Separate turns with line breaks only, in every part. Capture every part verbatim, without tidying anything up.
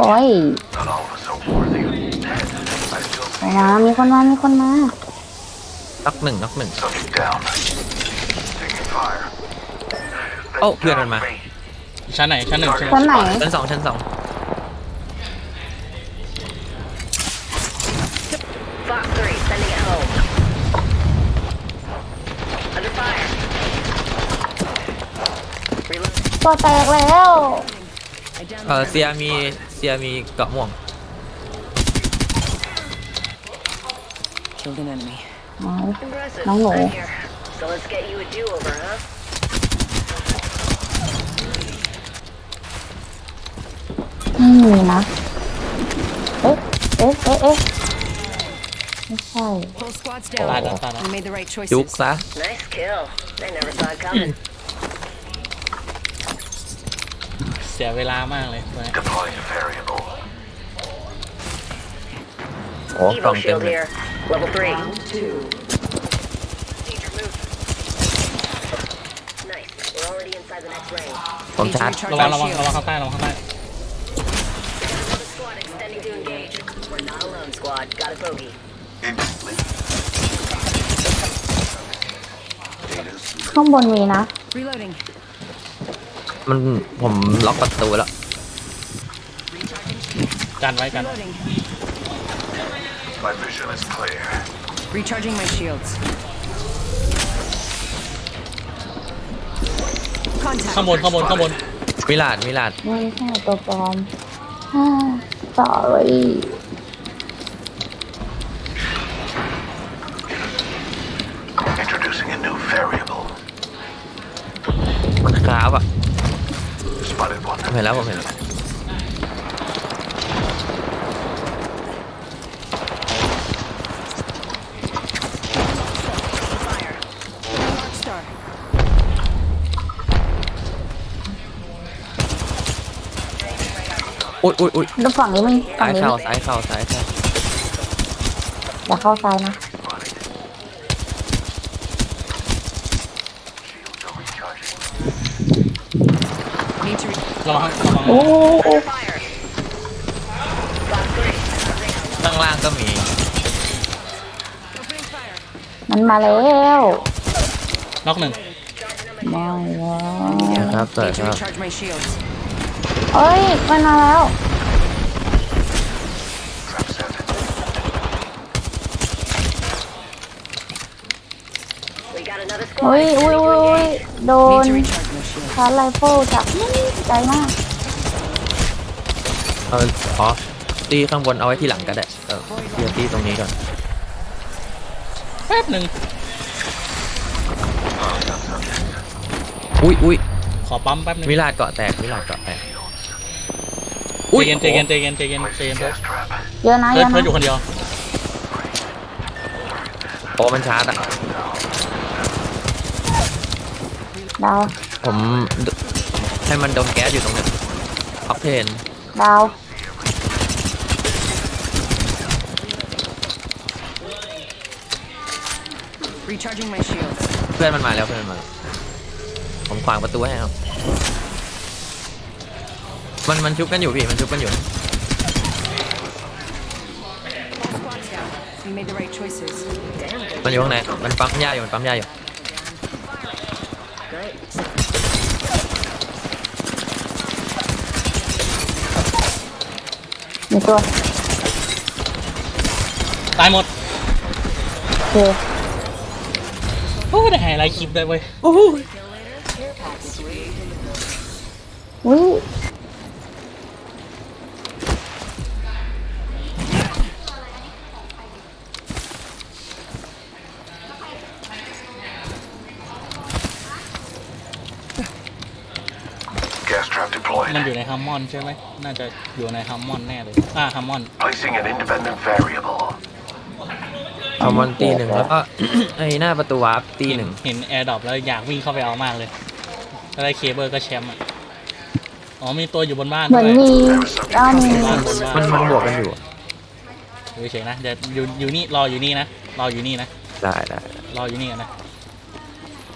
โอ้ยมามีคนมามีคนมา
น็อกหนึ่งน็อกหนึ่งโอ้เพื่อนมันมา
ชั้นไหนชั้นหนึ่งชั้น
ชั้นไหน
ชั้นสองชั้นสอง
ตัวแตกแล้ว
เออเซียมีเซียมีเกาะม่วง
น้องหนูไม่มีนะเอ๊ะเอ๊ะเอ๊ะเอ๊ะไม่ใช่
ตายแล้วตายแล้ว
จุกซะ
เสียเวลามากเลย
โอ้กล่องเต็มเลยผมชาร์จ
ระวังระวังระวังข้างใต้ระวังข้างใต้
ข้างบนมีนะ
มันผมล็อกประตูแล้ว
กันไว้กัน
Recharging my shields.
ข้างบนข้างบนข้างบน
มิลาดมิลาด
ไม่ใช่ตัวปลอมฮ่า sorry
Introducing a new variable.
มันคราฟอ่ะ
Spotted one.
ผมเห็นแล้วผมเห็นแล้วอุ้ยอุ้ยอุ้ย
ดูฝั่งนี้มึงฝั่
ซ้าง ย
นี้
เข้าซ้ายเข้าซ้ายเข้า
อย่าเข้าซ้ายนะ
ระวังระวัง
โอ้โอ้
ข้างล่างก็มี
มันมาแล้ว
น็อกหนึ่ง
มาแล้ว
ครับเปิด
Need
ค
to
รับ
recharge my shields.
เอ้ยมันมาแล้วเฮ้ยอุ้ยอุ้ยอุ้ยโดน
Need to recharge my shields.
ชาร์จไรเฟิลจากนี่ใจมาก
เอาอ๋อตีข้างบนเอาไว้ที่หลังก็ได้เออเดี๋ยวตีตรงนี้ก่อน
แป๊บหนึ่ง
อุ้ยอุ้ย
ขอปั๊มแป๊บหนึ่ง
มิลาดเกาะแตกมิลาดเกาะแตก
ใจเย็นใจเย็นใจเย็นใจเย็นใจเย็น
Gas trap.
เยอะนะเย
เพื่อน
อะ
เพื่อ
นะ
นอยู่คนเดียว
โอ้มันชาร์จอ่ะ
ดาว
ผมให้มันดมแก๊สอยู่ตรงนี้ออกเทน
ดาว
Recharging my shields.
เพื่อนมันมาแล้วเพื่อนมันมาแล้วผมขวางประตูให้ครับมันมันชุบกันอยู่พี่มันชุบกันอยู่
Squads down. We made the right choices.
มันอยู่ข้างในมันปั๊มยาอยู่มันปั๊มยาอยู่
มีตัว
ตายหมด
โอเค
โอ้ได้ไฮไลท์คลิปได้เว้ย
อุ้ย
Gas trap
มัน
deployed.
อยู่ในฮัมมอนใช่ไหมน่าจะอยู่ในฮัมมอนแน่เลยอ่าฮัมมอน
Placing an independent variable.
เอามันตีหนึ่งแล้วก็ ไอ้หน้าประตูวาร์ปตีหนึ่ง
เห็นแอร์ดรอปแล้วอยากวิ่งเข้าไปเอามากเลยถ้าได้เคเบิลก็แชมป์อ่ะอ๋อมีตัวอยู่บนบ้าน
เหมือน
ด้วย
มีด้านหนึ่ง
บ้านบนบ้าน
มันมันบวกกันอยู่
อยู่เฉยๆนะเดี๋ยวอยู่อยู่นี่รออยู่นี่นะรออยู่นี่นะ
ได้ได้
รออยู่นี่กันนะ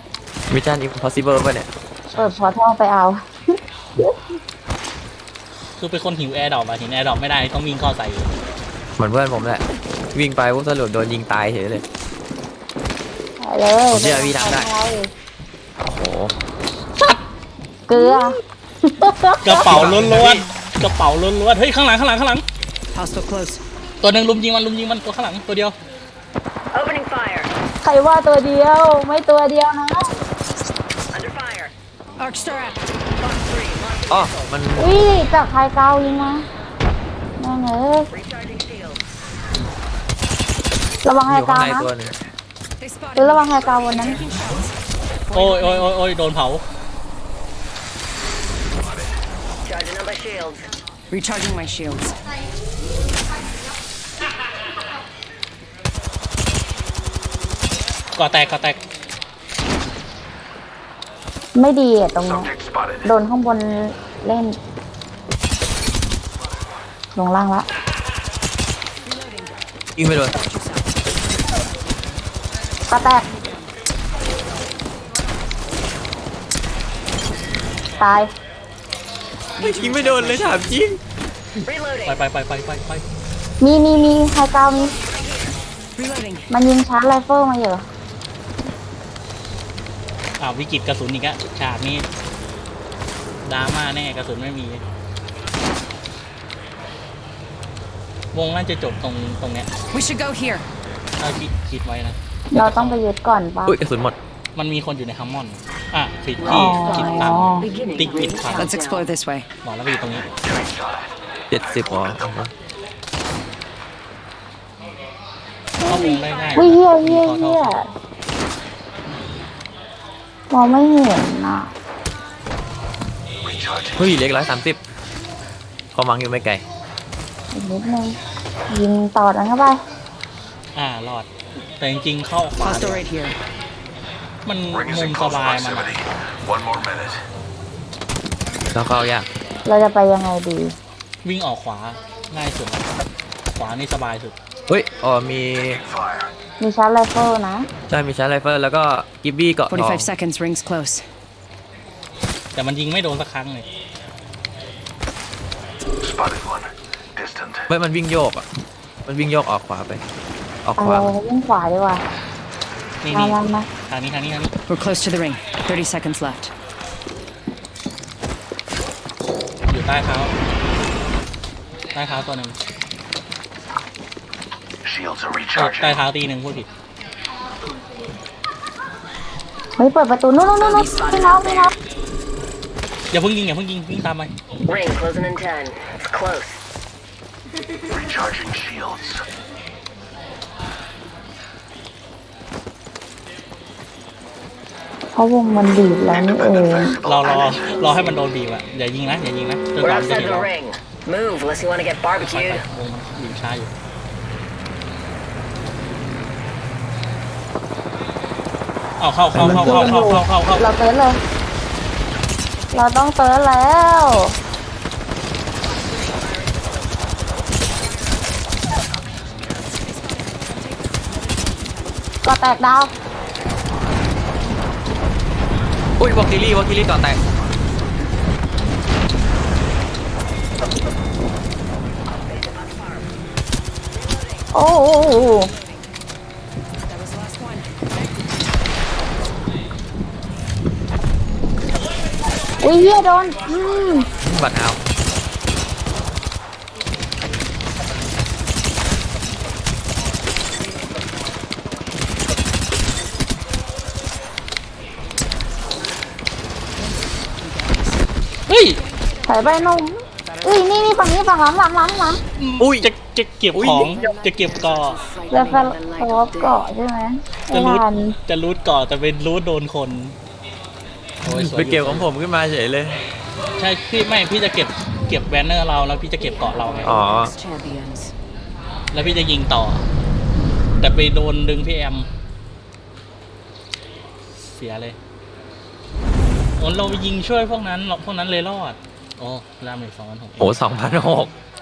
มิชชั่นอิมพอสิเบิลป่ะเนี่ย
เปิดพอร์ทัลไปเอา
คือเป็นคนหิวแอร์ดรอปอะเห็นแอร์ดรอปไม่ได้ต้องวิ่งเข้าใส่อยู่
เหมือนเพื่อนผมแหละวิ่งไปปุ๊บสรุปโดนยิงตายเฉยเลย
ไปเลย
ผมเชื่อพี่ทำได้
ป
โอ้โห
เกลือก
ระเป๋าล้วนๆกระเป๋าล้วนๆเฮ้ยข้างหลังข้างหลังข้างหลัง
Hostile close.
ตัวหนึ่งลุมยิงมันลุมยิงมันตัวข้างหลังตัวเดียว
Opening fire.
ใครว่าตัวเดียวไม่ตัวเดียวนะ
Under fire. Arc star out. Box three. Launch
อ๋อมัน
อุ้ยจากใครเกายิงมาแม่งเอ้ย
recharging shields.
ระวัง
อ
ใคร
ยู่ข้าง
เกา
ใน
นะ
ตัวหนึง
They
หรือ
spotted
ระ
me.
วังใครเกาบนนั้น
Taking shots.
โอ้ยโอ้ยโอ้ยโอ้ยโดนเผา
Charging up my shields. Recharging my shields.
ก่อแตกก่อแตก
ไม่ดีอะตรงนี้
Subject spotted.
โดนข้างบนเล่น ลงล่างละ
ยิงไปโดน
กระแตก ตาย
ยิงไม่โดนเลยถามจริง
Reloading.
ไปไปไปไปไปไป
มีมีมีใครเกามี
Reloading.
มันยิงชาร์จไรเฟิลมาอยู่
อ้าววิกฤตกระสุนอีกอะฉากนี้ดราม่าแน่กระสุนไม่มี วงน่าจะจบตรงตรงเนี้ย
We should go here.
ถ้าคิดคิดไว้นะ
เราต้องไปยึดก่อนป่ะ
อุ้ยกระสุนหมด
มันมีคนอยู่ในฮัมมอนด์อ่ะผิด
อ๋อ
ที่ผิดตังติ๊กผิดฝั่ง
Let's explore this way.
บอกแล้วไปอยู่ตรงนี้
Getting shot at.
เจ็ดสิบอ๋อ
เข้าวงได้ง่าย
อุ้ยเฮียเฮีย
ขอโท
เฮีย
ษ
มองไม่เห็นน่ะ
Recharging.
เฮ้ยเล็กร้อยสามสิบเขามังอยู่ไม่ไกล
อีกนิดนึงยิงต่อดันเข้าไป
อ่ารอด แต่จริงๆเข้าขวา
Hostile right here.
มัน
Ring is
มุ
in
มส
close
บายมันอะ
proximity. One more minute.
แล้วเข้ายาก
เราจะไปยังไงดี
วิ่งออกขวาง่ายสุดละขวานี่สบายสุด
เฮ้ยอ๋อมี
Fire.
มีชาร์จไรเฟิลนะ
ใช่มีชาร์จไรเฟิลแล้วก็กิบบี้เกาะทอง
forty-five seconds. Rings close.
แต่มันยิงไม่โดนสักครั้งเลย
Spotted one. Distant.
เฮ้ยมันวิ่งโยกอ่ะมันวิ่งโยกออกขวาไป ออก
เอา
ขวา
เราวิ่งขวาดีกว่า
นี่
มา
นี่
มามา
ทางนี้ทางนี้ทางนี้
We're close to the ring. thirty seconds left.
อยู่ใต้เท้า ใต้เท้าตัวหนึ่ง
Shields are
เอ้ย
recharging.
ใต้เท้าตีหนึ่งพูดผิด
เฮ้ยเปิดประตูนู่นนู่นนู่นพี่น้องพี่น้อง
อย่าเพิ่งยิงอย่าเพิ่งยิงวิ่งตามไป
Ring closing in ten. It's close.
Recharging shields.
เพราะวงมันบีบแล้วนี่เอง
Visible
รอรอ
damage.
รอให้มันโดนบีบอะอย่ายิงนะอย่ายิงนะจน
We're
กว่ามันจะ
outside
เห็น
the
เรา
ring. Move unless you want to get
ไปไป
barbecued.
วงมันบีบช้าอยู่เอาเข้าเข้าเข้าเข้าเข้าเข้าเข้าเข้า
เราเติร์ดเลย เราต้องเติร์ดแล้วก็แตกดาว
อุ้ยวอลคิลี่วอลคิลี่เกาะแตก
โอ้โห
That was the last one.
อุ้ยเฮียโดนอืม
บัตรเอา
เฮ้ย
ถอยไปหนุ่มอุ้ยนี่นี่ฝั่งนี้ฝั่งหลังหลังหลังหลัง
อุ้ยจะจะเก็บของจะเก็บเกาะ
จะสลบเกาะใช่ไหม
จะ
ไม่
รูด
ทัน
จะรูดเกาะแต่เป็นรูดโดนคนโอ้ยสวย
ไป
อยู่
เกี่ยวของผมขึ้นมาเฉยเลย
ใช่พี่ไม่พี่จะเก็บเก็บแบนเนอร์เราแล้วพี่จะเก็บเกาะเราไง
อ๋อ
Champions.
แล้วพี่จะยิงต่อ แต่ไปโดนดึงพี่แอม เสียเลยโอ้เราไปยิงช่วยพวกนั้นหรอกพวกนั้นเลยรอด โอ้รามอีกสองพันหก
โอ้สองพันหก